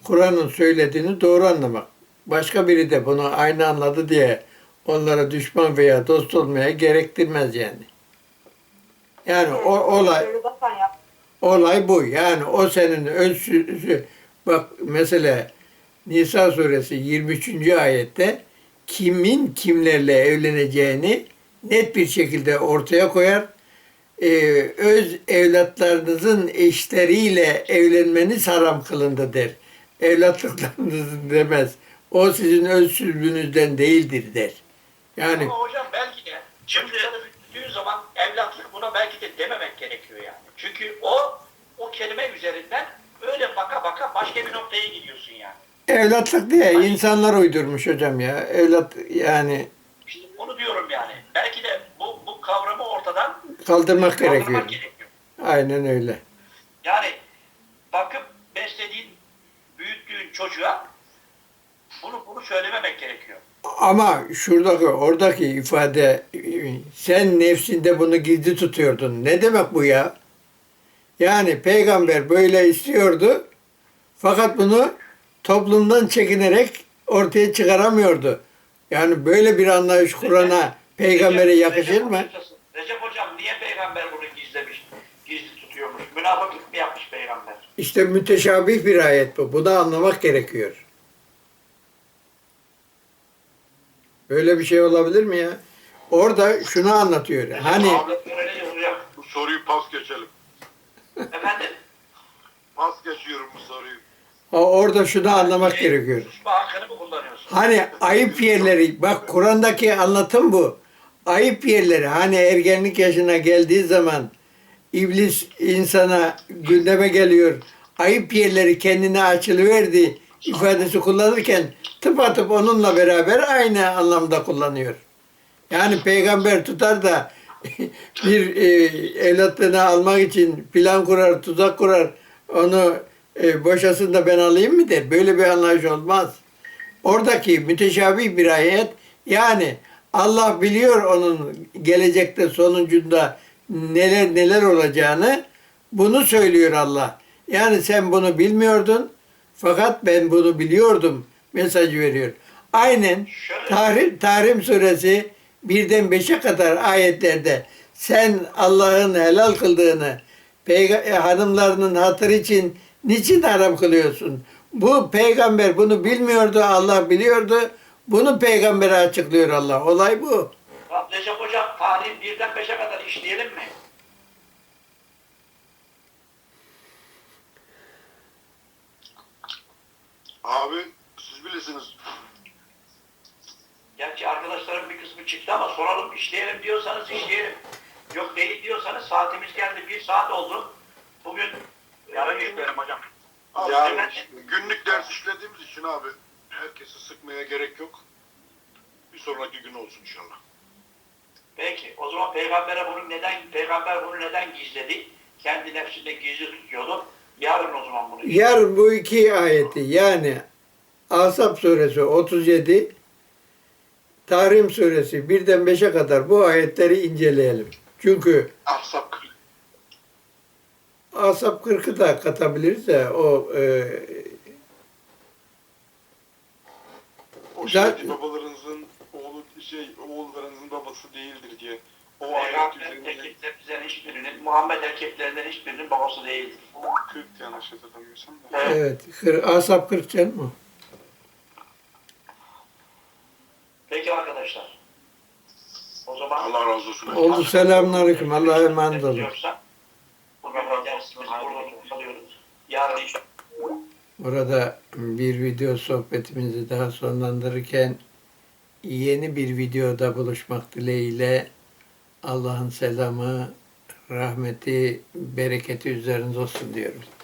Kur'an'ın söylediğini doğru anlamak. Başka biri de bunu aynı anladı diye onlara düşman veya dost olmaya gerektirmez yani. Yani o olay bu. Yani o senin ölçüsü. Bak mesela Nisa suresi 23. ayette kimin kimlerle evleneceğini net bir şekilde ortaya koyar. Öz evlatlarınızın eşleriyle evlenmeniz haram kılındı der. Evlatlıklarınızın demez. O sizin öz sülbünüzden değildir der. Yani Ama hocam belki de çocukları büyüttüğü zaman evlatlık buna belki de dememek gerekiyor yani. Çünkü o kelime üzerinden öyle baka baka başka bir noktaya gidiyorsun yani. evlatlık diye insanlar uydurmuş hocam ya. Evlat yani İşte onu diyorum yani. Belki de bu kavramı ortadan kaldırmak gerekiyor. kaldırmak gerekiyor. Aynen öyle. Yani bakıp beslediğin, büyüttüğün çocuğa bunu söylememek gerekiyor. Ama oradaki ifade sen nefsinde bunu gizli tutuyordun. Ne demek bu ya? Yani peygamber böyle istiyordu fakat bunu toplumdan çekinerek ortaya çıkaramıyordu. Yani böyle bir anlayış Kur'an'a, peygambere yakışır mı? Recep hocam niye peygamber bunu gizlemiş, gizli tutuyormuş? Münafıklık mı yapmış peygamber? İşte müteşabih bir ayet bu. Bunu anlamak gerekiyor. Böyle bir şey olabilir mi ya? Orada şunu anlatıyor. Hani Bu soruyu pas geçelim. efendim? Pas geçiyorum bu soruyu. orada şunu anlamak gerekiyor. Susma hakkını mı kullanıyorsun? Hani ayıp yerleri, bak Kur'an'daki anlatım bu. Ayıp yerleri, hani ergenlik yaşına geldiği zaman iblis insana gündeme geliyor. Ayıp yerleri kendine açılıverdi ifadesi kullanırken tıpatıp onunla beraber aynı anlamda kullanıyor. Yani peygamber tutar da bir evlatlığını almak için plan kurar, tuzak kurar, onu boşasın da ben alayım mı der. Böyle bir anlayış olmaz. Oradaki müteşabih bir ayet, yani Allah biliyor onun gelecekte sonucunda neler olacağını, bunu söylüyor Allah. Yani sen bunu bilmiyordun fakat ben bunu biliyordum mesajı veriyor. Aynen Tahrim suresi 1'den 5'e kadar ayetlerde sen Allah'ın helal kıldığını hanımlarının hatırı için niçin haram kılıyorsun? Bu peygamber bunu bilmiyordu, Allah biliyordu. Bunu peygambere açıklıyor Allah. Olay bu. Recep hocam tarih 1'den 5'e kadar işleyelim mi? Abi siz bilirsiniz. Gerçi arkadaşların bir kısmı çıktı ama soralım, işleyelim diyorsanız işleyelim. Yok değil diyorsanız saatimiz geldi. 1 saat oldu. Bugün yarın işleyelim hocam. Yani günlük ders işlediğimiz için abi herkesi sıkmaya gerek yok. Bir sonraki gün olsun inşallah. Peki. O zaman peygamber bunu neden gizledi? Kendi nefsinde gizli tutuyordu. Yarın o zaman bunu. Yarın bu iki ayeti, yani Ahzab suresi 37, Tahrim suresi 1'den 5'e kadar bu ayetleri inceleyelim. Çünkü Ahzab Ahzab 40'ı da katabiliriz de o Şahit babalarınızın oğullarınızın babası değildir diye. O ayet Peygamber üzerinde erkeklerimizden hiçbirinin, Muhammed erkeklerinden hiçbirinin babası değildir. 40 yanlış hatırlamıyorsam da. evet, Ahzab 40 canım o. Peki arkadaşlar. O zaman Allah razı olsun. Oldu, selamünaleyküm. Allah'a emanet olun. Bugün dersimizi burada kalıyoruz. Yarın inşallah. Burada bir video sohbetimizi daha sonlandırırken yeni bir videoda buluşmak dileğiyle Allah'ın selamı, rahmeti, bereketi üzerinize olsun diyorum.